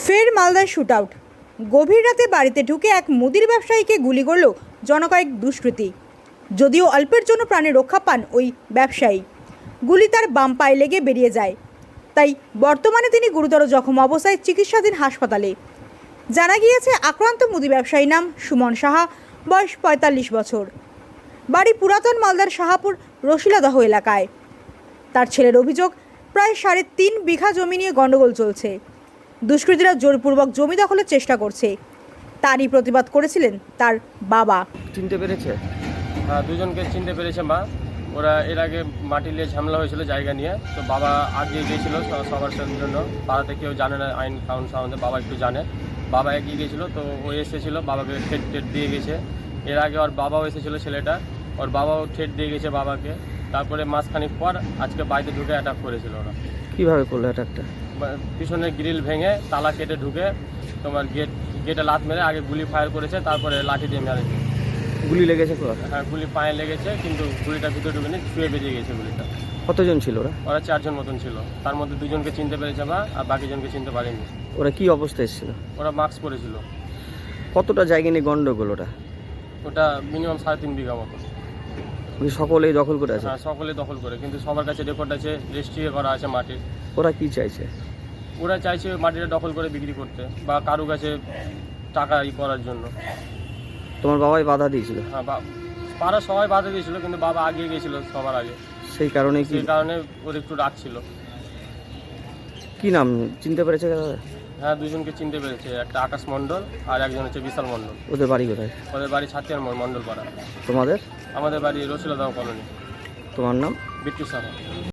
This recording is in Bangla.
ফের মালদায় শুট আউট। গভীর রাতে বাড়িতে ঢুকে এক মুদির ব্যবসায়ীকে গুলি করল জনকয়েক দুষ্কৃতী। যদিও অল্পের জন্য প্রাণে রক্ষা পান ওই ব্যবসায়ী, গুলি তার বাম পায়ে লেগে বেরিয়ে যায়। তাই বর্তমানে তিনি গুরুতর জখম অবস্থায় চিকিৎসাধীন হাসপাতালে। জানা গিয়েছে আক্রান্ত মুদি ব্যবসায়ীর নাম সুমন সাহা, বয়স ৪৫ বছর, বাড়ি পুরাতন মালদার শাহাপুর রশিলাদহ এলাকায়। তার ছেলের অভিযোগ, প্রায় ৩.৫ বিঘা জমি নিয়ে গণ্ডগোল চলছে। দুষ্কৃতীরা জোরপূর্বক জমি দখলের চেষ্টা করছে। তারই প্রতিবাদ করেছিলেন তার বাবা। চিনতে পেরেছে? হ্যাঁ, দুজনকে চিনতে পেরেছে মা। ওরা এর আগে মাটি নিয়ে ঝামেলা হয়েছিল জায়গা নিয়ে, তো বাবা আগিয়ে গিয়েছিল সবার জন্য। পাড়াতে কেউ জানে না আইন কানুন সম্বন্ধে, বাবা একটু জানে। বাবা এগিয়ে গিয়েছিলো, তো ও এসেছিলো, বাবাকে ঠেট দিয়ে গেছে। এর আগে ওর বাবাও এসেছিলো, ছেলেটা ওর বাবাও ঠেট দিয়ে গেছে বাবাকে। তারপরে মাসখানিক পর আজকে বাড়িতে ঢুকে অ্যাটাক করেছিল ওরা। কীভাবে করলো অ্যাটাকটা? পিছনের গ্রিল ভেঙে তালা কেটে ঢুকে তোমার গেটে লাত মেরে আগে গুলি ফায়ার করেছে, তারপরে লাঠি দিয়ে মেরেছে। গুলি লেগেছে? হ্যাঁ, গুলি পায়ে লেগেছে, কিন্তু গুলিটা ভিতরে ঢুকেনি, ছুঁয়ে বেরিয়ে গেছে গুলিটা। কতজন ছিল ওরা? ওরা 4 জন মতন ছিল, তার মধ্যে 2 জনকে চিনতে পেরেছে বা আর বাকি জনকে চিনতে পারেনি। ওরা কি অবস্থায় এসেছিল? ওরা মাস্ক পরেছিল। কতটা জায়গা নিয়ে গন্ডগোল ওটা? ওটা মিনিমাম 3.5 বিঘা মতো। সকলেই দখল করে আছে? হ্যাঁ, সকলে দখল করে, কিন্তু সবার কাছে রেকর্ড আছে, রেজিস্ট্রি করা আছে মাটির। ওরা কি চাইছে? ওরা চাইছে মাটিটা দখল করে বিক্রি করতে বা কারো কাছে টাকা করার জন্য। তোমার বাবাই বাধা দিয়েছিল? হ্যাঁ, পাড়া সবাই বাধা দিয়েছিল, কিন্তু বাবা আগিয়ে গিয়েছিল সবার আগে। সেই কারণে ওর একটু রাগ ছিল। কি নাম চিনতে পেরেছে? হ্যাঁ, 2 জনকে চিনতে পেরেছে, একটা আকাশ মণ্ডল আর একজন হচ্ছে বিশাল মণ্ডল। ওদের বাড়ি কোথায়? ওদের বাড়ি ছাতিয়ার মণ্ডল পাড়া। তোমাদের? আমাদের বাড়ি রসিলাদহ কলোনি। তোমার নাম? বিট্টু সাহা।